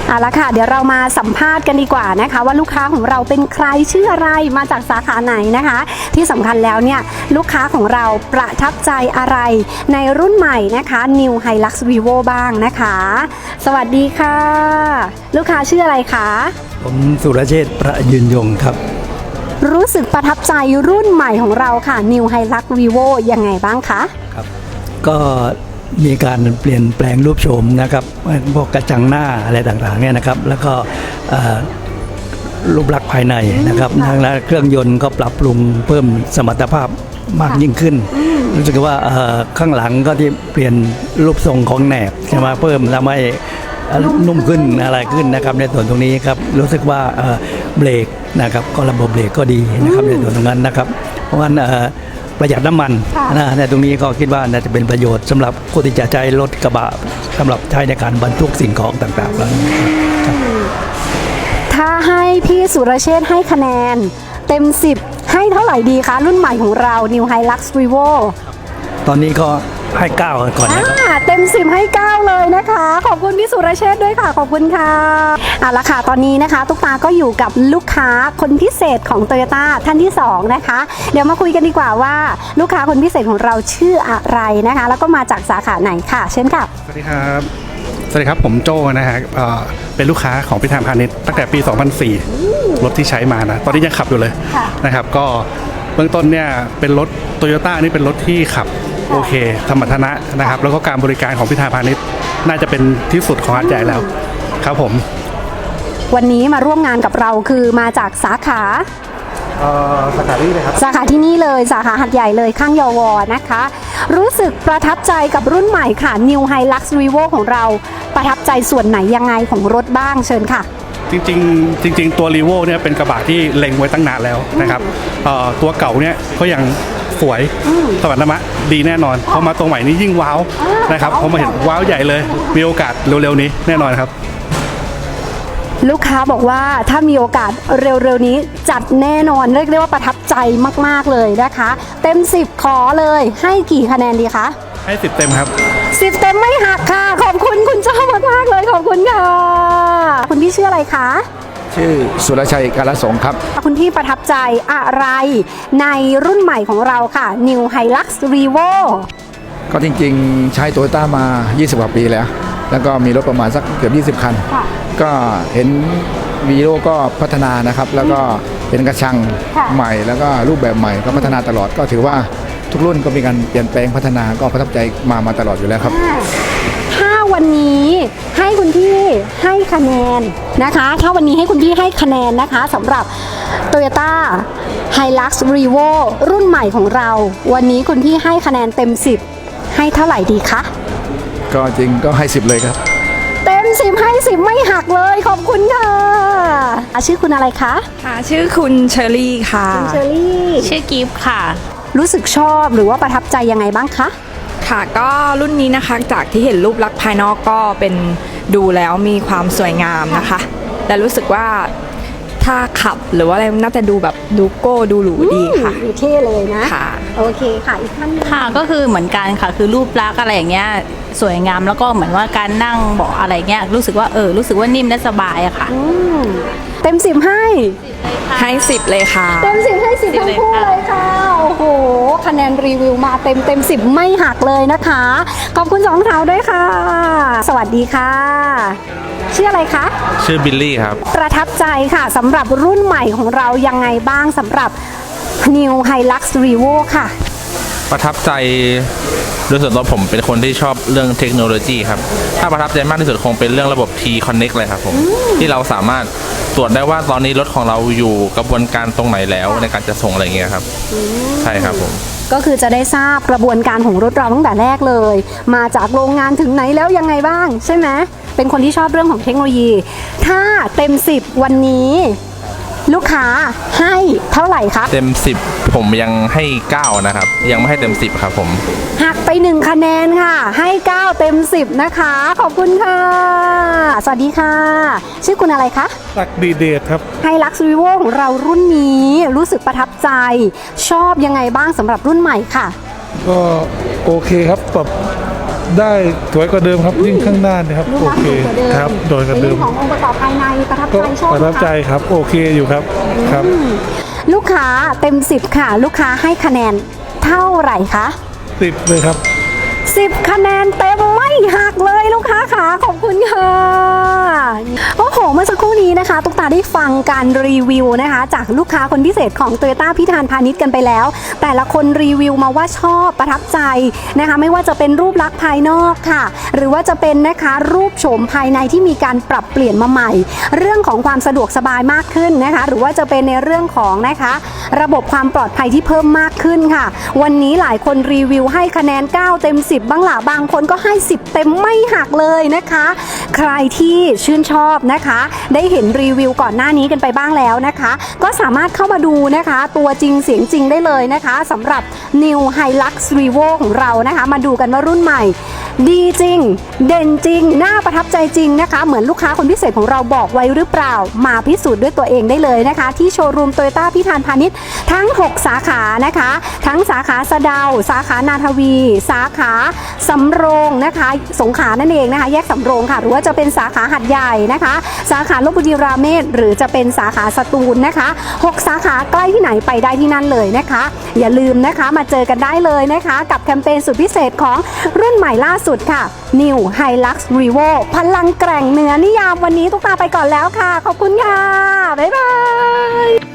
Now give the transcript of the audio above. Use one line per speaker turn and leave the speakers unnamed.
เอาละค่ะเดี๋ยวเรามาสัมภาษณ์กันดีกว่านะคะว่าลูกค้าของเราเป็นใครชื่ออะไรมาจากสาขาไหนนะคะที่สำคัญแล้วเนี่ยลูกค้าของเราประทับใจอะไรในรุ่นใหม่นะคะ New Hilux Revo บ้างนะคะสวัสดีค่ะลูกค้าชื่ออะไรคะ
ผมสุรเชษฐ์ประยืนยงครับ
รู้สึกประทับใจรุ่นใหม่ของเราค่ะ New Hilux Revo ยังไงบ้างคะ
ครับก็มีการเปลี่ยนแปลงรูปโฉมนะครับพวกกระจังหน้าอะไรต่างๆเนี่ยนะครับแล้วก็รูปลักษณ์ภายในนะครับและเครื่องยนต์ก็ปรับปรุงเพิ่มสมรรถภาพมากยิ่งขึ้นรู้สึกว่าข้างหลังก็ที่เปลี่ยนรูปทรงของแหนบใช่ไหมเพิ่มทำให้นุ่มขึ้นอะไรขึ้นนะครับในส่วนตรงนี้ครับรู้สึกว่าเบรกนะครับก็ระบบเบรกก็ดีนะครับในส่วนตรงนั้นนะครับเพราะงั้นประหยัดน้ำมันนะในตรงนี้ก็คิดว่าน่าจะเป็นประโยชน์สำหรับคนที่จะใช้รถกระบะสำหรับใช้ในการบรรทุกสิ่งของต่างๆแล้ว
ถ้าให้พี่สุรเชษฐ์ให้คะแนนเต็ม10ให้เท่าไหร่ดีคะรุ่นใหม่ของเรา New Hilux Revo
ตอนนี้ก็ให้9ก่อนนะครับ
เต็ม10ให้9เลยนะคะขอบคุณพี่สุรเชษฐ์ด้วยค่ะขอบคุณค่ะเอาละค่ะตอนนี้นะคะตุ๊กตาก็อยู่กับลูกค้าคนพิเศษของ Toyota ท่านที่2นะคะเดี๋ยวมาคุยกันดีกว่าว่าลูกค้าคนพิเศษของเราชื่ออะไรนะคะแล้วก็มาจากสาขาไหนค่ะเช่นค่ะ
สวัสดีครับผมโจ้นะฮะเป็นลูกค้าของพิธามพาณิชย์ตั้งแต่ปี 2004 รถที่ใช้มานะตอนนี้ยังขับอยู่เลยนะครับก็เบื้องต้นเนี่ยเป็นรถ Toyota นี่เป็นรถที่ขับโอเคธรรมทนะนะครับแล้วก็การบริการของพิธามพาณิชย์น่าจะเป็นที่สุดของหาดใหญ่แล้วครับผม
วันนี้มาร่วมงานกับเราคือมาจากสาขา
ที่เลยครับ
สาขาที่นี่เลยสาขาหัดใหญ่เลยข้างยอวนะคะรู้สึกประทับใจกับรุ่นใหม่ค่ะ New Hilux Revo ของเราประทับใจส่วนไหนยังไงของรถบ้างเชิญค่ะ
จริงตัว Revo เนี่ยเป็นกระบะที่เล็งไว้ตั้งนานแล้วนะครับตัวเก่าเนี่ยก็ยังสวยสมรรถนะดีแน่นอนพอมาตัวใหม่นี้ยิ่งว้าวนะครับพอมาเห็นว้าวใหญ่เลยมีโอกาสเร็วๆนี้แน่นอนครับ
ลูกค้าบอกว่าถ้ามีโอกาสเร็วๆนี้จัดแน่นอนเรียกได้ว่าประทับใจมากๆเลยนะคะเต็ม10ขอเลยให้กี่คะแนนดีคะ
ให้10เต็มครับ
10เต็มไม่หักค่ะขอบคุณคุณเจ้ามากๆเลยขอบคุณค่ะคุณพี่ชื่ออะไรคะ
ชื่อสุรชัยกาลสงครับ
คุณพี่ประทับใจอะไรในรุ่นใหม่ของเราค่ะ New Hilux Revo
ก็จริงๆใช้โตโยต้ามา20กว่าปีแล้วก็มีรถประมาณสักเกือบ20คันก็เห็นวีโร่ก็พัฒนานะครับแล้วก็เป็นกระชังใหม่แล้วก็รูปแบบใหม่ก็พัฒนาตลอดก็ถือว่าทุกรุ่นก็มีการเปลี่ยนแปลงพัฒนาก็ประทับใจมาตลอดอยู่แล้วครับ
ถ้าวันนี้ให้คุณพี่ให้คะแนนนะคะถ้าวันนี้ให้คุณพี่ให้คะแนนนะคะสำหรับ Toyota Hilux Revo รุ่นใหม่ของเราวันนี้คุณพี่ให้คะแนนเต็ม10ให้เท่าไหร่ดีคะ
ก็จริงก็ให้10เลยครับ
เต็ม10ให้10ไม่หักเลยขอบคุณค่ะชื่อคุณอะไรคะ
ค่ะชื่อคุณเชอรี่ค่ะ
คุณเชอรี่
ชื่อกิฟต์ค่ะ
รู้สึกชอบหรือว่าประทับใจยังไงบ้างคะ
ค่ะก็รุ่นนี้นะคะจากที่เห็นรูปลักษณ์ภายนอกก็เป็นดูแล้วมีความสวยงามนะคะแต่รู้สึกว่าถ้าขับหรือว่าอะไรน่าจะดูแบบดูโก้ดูหรูดีค่ะ
ดูเท่เลยนะ
ค่ะ
โอเคค่ะอีกท่านนึง
ค่ะก็คือเหมือนกันค่ะคือรูปลักษณ์อะไรอย่างเงี้ยสวยงามแล้วก็เหมือนว่าการนั่งเบาะอะไรเงี้ยรู้สึกว่ารู้สึกว่านิ่มและสบายอะค่ะ
เต็ม10
ให้10เลยค่ะ
เต็ม10ให้10ทั้งคู่เลยค่ะโอ้โหคะแนนรีวิวมาเต็ม10ไม่หักเลยนะคะขอบคุณสองเท้าด้วยค่ะสวัสดีค่ะชื่ออะไรคะ
ชื่อบิลลี่ครับ
ประทับใจค่ะสำหรับรุ่นใหม่ของเรายังไงบ้างสำหรับ New Hilux Revo ค่ะ
ประทับใจโดยส่วนตัวผมเป็นคนที่ชอบเรื่องเทคโนโลยีครับถ้าประทับใจมากที่สุดคงเป็นเรื่องระบบ T-Connect เลยครับผมที่เราสามารถตรวจได้ว่าตอนนี้รถของเราอยู่กระบวนการตรงไหนแล้วในการจะส่งอะไรเงี้ยครับใช่ครับผม
ก็คือจะได้ทราบกระบวนการของรถเราตั้งแต่แรกเลยมาจากโรงงานถึงไหนแล้วยังไงบ้างใช่ไหมเป็นคนที่ชอบเรื่องของเทคโนโลยีถ้าเต็ม10วันนี้ลูกค้าให้เท่าไหร่คะ
เต็ม10ผมยังให้9นะครับยังไม่ให้เต็ม10ครับผม
หักไป1คะแนนค่ะให้9เต็ม10นะคะขอบคุณค่ะสวัสดีค่ะชื่อคุณอะไรคะ
ศักดิเดชครับ
Hilux Revo ของเรารุ่นนี้รู้สึกประทับใจชอบยังไงบ้างสำหรับรุ่นใหม่ค่ะ
ก็โอเคครับแบบ
ได้สวยกว่าเดิมครับยิ่งข้างหน้าเนี่ยครับ
รูป
โอ
ลักษณ์
เค
สวยกว่าเดิม
ครับโดยกว่าเดิม
ในรื่องขององค์ประกอบภายในประทับ
ก็
ใจชอบ
ประทับใจครับโอเคอยู่ครับครับ
ลูกค้าเต็ม 10 ค่ะ ลูกค้าให้คะแนนเท่าไหร่คะ
10เลยครับ
10 คะแนนเต็มไม่หักเลยลูกค้าค่ะขอบคุณค่ะโอ้โหเมื่อสักครู่นี้นะคะตุ๊กตาได้ฟังการรีวิวนะคะจากลูกค้าคนพิเศษของ Toyota พิธานพาณิชย์กันไปแล้ว แต่ละคนรีวิวมาว่าชอบประทับใจนะคะไม่ว่าจะเป็นรูปลักษณ์ภายนอกค่ะ หรือว่าจะเป็นนะคะรูปโฉมภายในที่มีการปรับเปลี่ยนมาใหม่ เรื่องของความสะดวกสบายมากขึ้นนะคะหรือว่าจะเป็นในเรื่องของนะคะระบบความปลอดภัยที่เพิ่มมากขึ้นค่ะ วันนี้หลายคนรีวิวให้คะแนน9เต็ม10บ้างล่ะบางคนก็ให้10เต็มไม่หักเลยนะคะ ใครที่ชื่นชอบนะคะได้เห็นรีวิวก่อนหน้านี้กันไปบ้างแล้วนะคะก็สามารถเข้ามาดูนะคะตัวจริงเสียงจริงได้เลยนะคะสำหรับ New Hilux Revo ของเรานะคะมาดูกันว่ารุ่นใหม่ดีจริงเด่นจริงน่าประทับใจจริงนะคะเหมือนลูกค้าคนพิเศษของเราบอกไว้หรือเปล่ามาพิสูจน์ด้วยตัวเองได้เลยนะคะที่โชว์รูม Toyota พิธานพาณิชย์ทั้ง6สาขานะคะทั้งสาขาสะเดาสาขานาทวีสาขาสำโรงนะคะสงขลานั่นเองนะคะแยกสำโรงค่ะหรือว่าจะเป็นสาขาหัดใหญ่นะคะสาขาลพบุรีราเมศหรือจะเป็นสาขาสตูลนะคะ6สาขาใกล้ที่ไหนไปได้ที่นั่นเลยนะคะอย่าลืมนะคะมาเจอกันได้เลยนะคะกับแคมเปญสุดพิเศษของรุ่นใหม่ล่าสุดค่ะ New Hilux Revo พลังแกร่งเหนือนิยามวันนี้ตุ๊กตาไปก่อนแล้วค่ะขอบคุณค่ะบ๊ายบาย